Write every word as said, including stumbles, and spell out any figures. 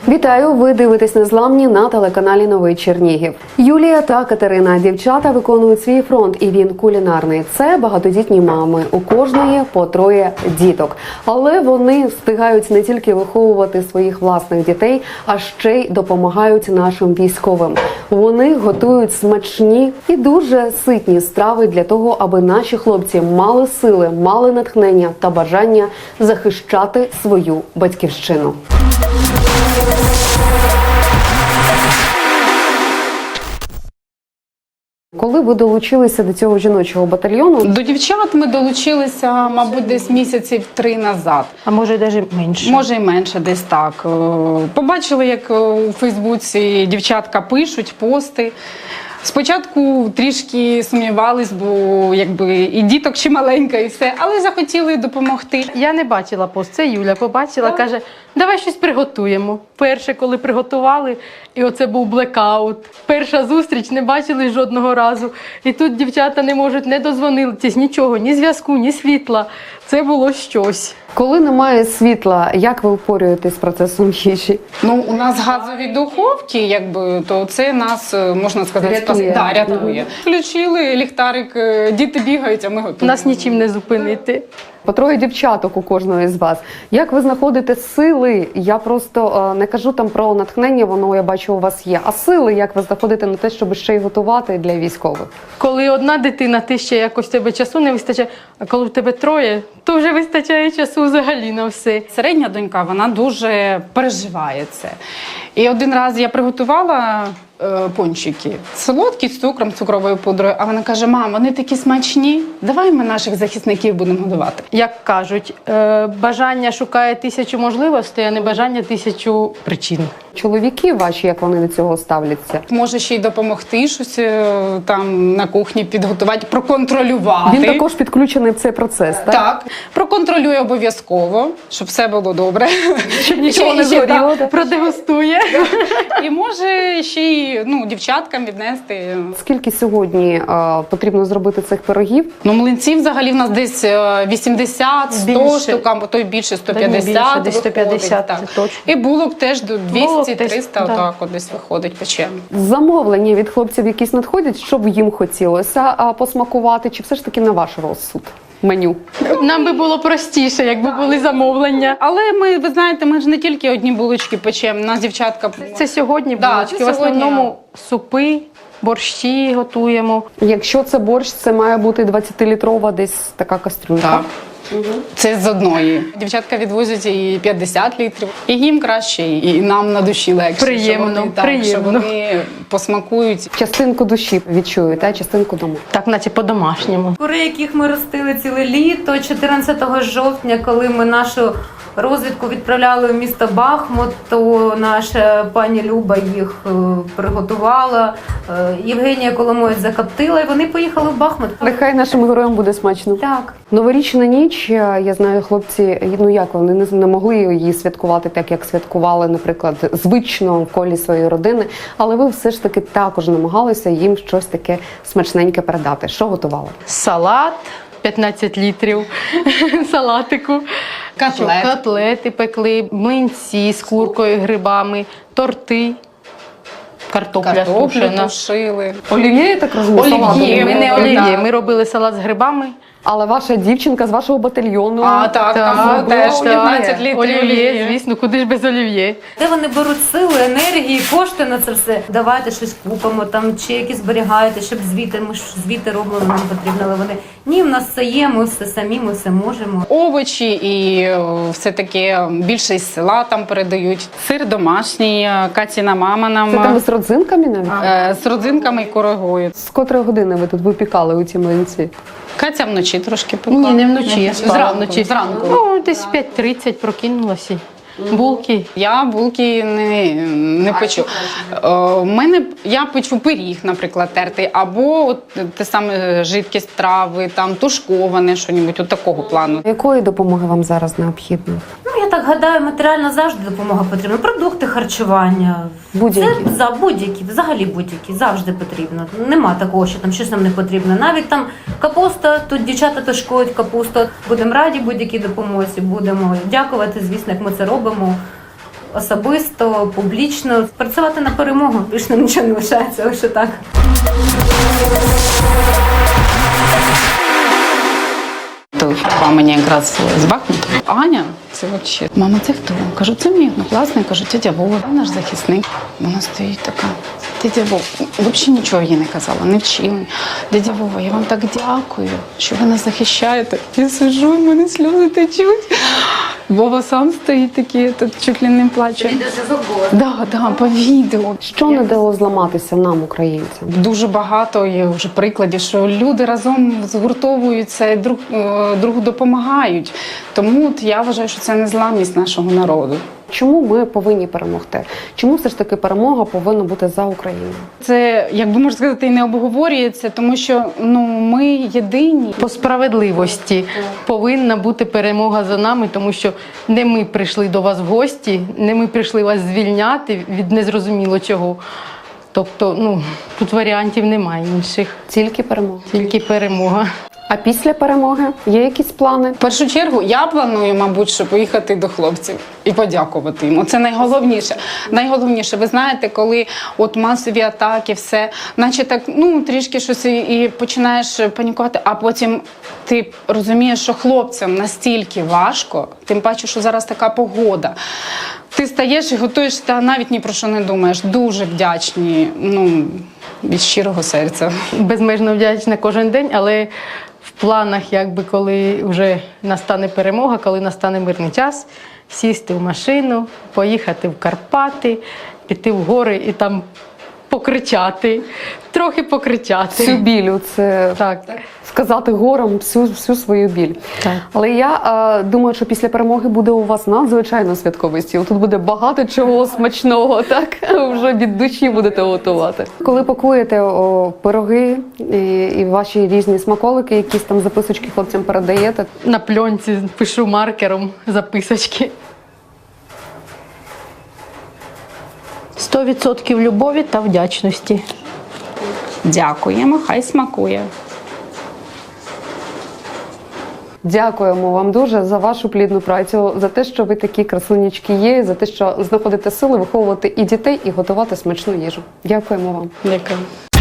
Вітаю! Ви дивитесь «Незламні» на телеканалі «Новий Чернігів». Юлія та Катерина – дівчата виконують свій фронт, і він кулінарний. Це багатодітні мами, у кожної по троє діток. Але вони встигають не тільки виховувати своїх власних дітей, а ще й допомагають нашим військовим. Вони готують смачні і дуже ситні страви для того, аби наші хлопці мали сили, мали натхнення та бажання захищати свою батьківщину. Коли ви долучилися до цього жіночого батальйону? До дівчат ми долучилися, мабуть, десь місяців три назад. А може, навіть менше? Може, і менше, десь так. Побачили, як у Фейсбуці дівчатка пишуть пости. Спочатку трішки сумнівались, бо якби і діток ще маленька, і все, але захотіли допомогти. Я не бачила пост, це Юля побачила, так. Каже, давай щось приготуємо. Перше, коли приготували, і оце був блекаут. Перша зустріч, не бачили жодного разу. І тут дівчата не можуть, не дозвонитись, нічого, ні зв'язку, ні світла. Це було щось. Коли немає світла, як ви впорюєтесь з процесом їжі? Ну, у нас газові духовки, якби, то це нас, можна сказати, рятує. Да, рятує. Включили ліхтарик, діти бігають, а ми готуємо. Нас нічим не зупинити. По троє дівчаток у кожної з вас. Як ви знаходите сили? Я просто е, не кажу там про натхнення, воно, я бачу, у вас є. А сили, як ви знаходите на те, щоб ще й готувати для військових? Коли одна дитина, ти ще якось тебе часу не вистачає, а коли в тебе троє, то вже вистачає часу взагалі на все. Середня донька, вона дуже переживає це. І один раз я приготувала е, пончики солодкі з цукром, цукровою пудрою, а вона каже: мам, вони такі смачні, давай ми наших захисників будемо годувати. Як кажуть, е, бажання шукає тисячу можливостей, а не бажання тисячу причин. Чоловіки ваші, як вони до цього ставляться? Може ще й допомогти щось е, там на кухні підготувати, проконтролювати. Він також підключений в цей процес, так? Так, проконтролює обов'язково, щоб все було добре. Щоб нічого І не ще, згоріло. так, Продегустує. І може ще й ну, дівчаткам віднести. Скільки сьогодні е, потрібно зробити цих пирогів? Ну, млинців взагалі в нас десь вісімдесят сто Більше. штук, а то й більше сто Да ні, п'ятдесят. більше, десь сто п'ятдесят, виходить, це так. точно. І булок теж до Булок двісті триста, десь, да. отак от десь виходить, печемо. Замовлення від хлопців якісь надходять, щоб їм хотілося а, посмакувати, чи все ж таки на ваш розсуд? Меню. Нам би було простіше, якби були замовлення. Але ми, ви знаєте, ми ж не тільки одні булочки печемо, у нас дівчатка... Це сьогодні Да, булочки. це В основному сьогодні. супи, борщі готуємо. Якщо це борщ, це має бути двадцятилітрова десь така кастрюлька. Так. Це з одної. Дівчатка відвозять і п'ятдесят літрів. І їм краще, і нам на душі легше. Приємно, що вони, так, приємно. що вони посмакують. Частинку душі відчуєте, а частинку дому. Так, наче по-домашньому. Кури, яких ми ростили ціле літо, чотирнадцятого жовтня, коли ми нашу розвідку відправляли в місто Бахмут, то наша пані Люба їх е, приготувала, е, Євгенія Коломоєць закоптила, і вони поїхали в Бахмут. Нехай нашим героям буде смачно. Так. Новорічна ніч, я знаю, хлопці, ну як вони не, не могли її святкувати так, як святкували, наприклад, звично в колі своєї родини, але ви все ж таки також намагалися їм щось таке смачненьке передати. Що готували? Салат, п'ятнадцять літрів салатику. Котлет. Що, котлети пекли, млинці з куркою, грибами, торти, картопля, Картоплю сушена. тушили. Олів'є, я так розумію, Олів'є. салатом? Ні, ми не Так. олів'є, ми робили салат з грибами. Але ваша дівчинка з вашого батальйону... А, так, там теж так. п'ятнадцять літрів Олів'є, олів'є. звісно, куди ж без олів'є. Де вони беруть сили, енергії, кошти на це все? Давайте щось купимо, там, чи якісь зберігаєте, щоб звіти, ми ж звіти робимо, нам потрібно, але вони, ні, в нас все є, ми все самі, ми все можемо. Овочі і е, все таке більше із села там передають. Сир домашній, е, Катіна мама нам Це там з родзинками навіть? е, з родзинками і курагою. З котрої години ви тут випікали у ці млинці? Катя вночі трошки пекла. Ні, не вночі, я спала Зранку, вночі. зранку. Ну, десь п'ять тридцять прокинулася. Булки. Я булки не, не печу. У мене я печу пиріг, наприклад, тертий, або от те саме жидкість трави, там тушковане, що-небудь от такого плану. Якої допомоги вам зараз необхідно? Ну, я так гадаю, матеріально завжди допомога потрібна. Продукти харчування. Будь-які. Це за будь-які, взагалі будь-які, завжди потрібно. Нема такого, що там щось нам не потрібно. Навіть там капуста, тут дівчата тушкують капусту. Будемо раді будь-якій допомозі, будемо дякувати, звісно, як ми це робимо. особисто, публічно. Працювати на перемогу, більше нам нічого не лишається, лише так. Телефонувала мені якраз з Бахмуту. Аня, це взагалі. Мама, це хто? Кажу, це мій однокласник. Кажу, тетя Вова, наш захисник. Вона стоїть така. Дядя Вова, взагалі нічого їй не казала, не вчила. Дядя Вова, я вам так дякую, що ви нас захищаєте. Я сиджу, в мене сльози течуть. Вова сам стоїть такий, тут чуть ли не плаче. Да, да, по відео. Що не дало зламатися нам, українцям? Дуже багато є вже прикладів, що люди разом згуртовуються і друг, е, другу допомагають. Тому от я вважаю, що це незламність нашого народу. Чому ми повинні перемогти? Чому все ж таки перемога повинна бути за Україну? Це, як би можна сказати, і не обговорюється, тому що ну, ми єдині. По справедливості повинна бути перемога за нами, тому що не ми прийшли до вас в гості, не ми прийшли вас звільняти від незрозуміло чого. Тобто, ну, тут варіантів немає інших, Тільки перемога. тільки перемога. А після перемоги є якісь плани? В першу чергу я планую, мабуть, що поїхати до хлопців і подякувати їм. Це найголовніше. Найголовніше, ви знаєте, коли от масові атаки, все, наче так, ну, трішки щось і, і починаєш панікувати, а потім ти розумієш, що хлопцям настільки важко, тим паче, що зараз така погода. Ти стаєш і готуєш, та навіть ні про що не думаєш. Дуже вдячні, ну, від щирого серця. Безмежно вдячна кожен день, але в планах, якби коли вже настане перемога, коли настане мирний час, сісти в машину, поїхати в Карпати, піти в гори і там покричати, трохи покричати. Всю біль, це Так. сказати горам всю, всю свою біль. Так. Але я е, думаю, що після перемоги буде у вас надзвичайно святковий стіл. Тут буде багато чого смачного, так? Вже від душі будете готувати. Коли пакуєте о, пироги і, і ваші різні смаколики, якісь там записочки хлопцям передаєте, На пленці пишу маркером записочки. сто відсотків любові та вдячності. Дякуємо, хай смакує. дякуємо вам дуже за вашу плідну працю, за те, що ви такі красунечки є, за те, що знаходите сили виховувати і дітей, і готувати смачну їжу. Дякуємо вам. Дякую.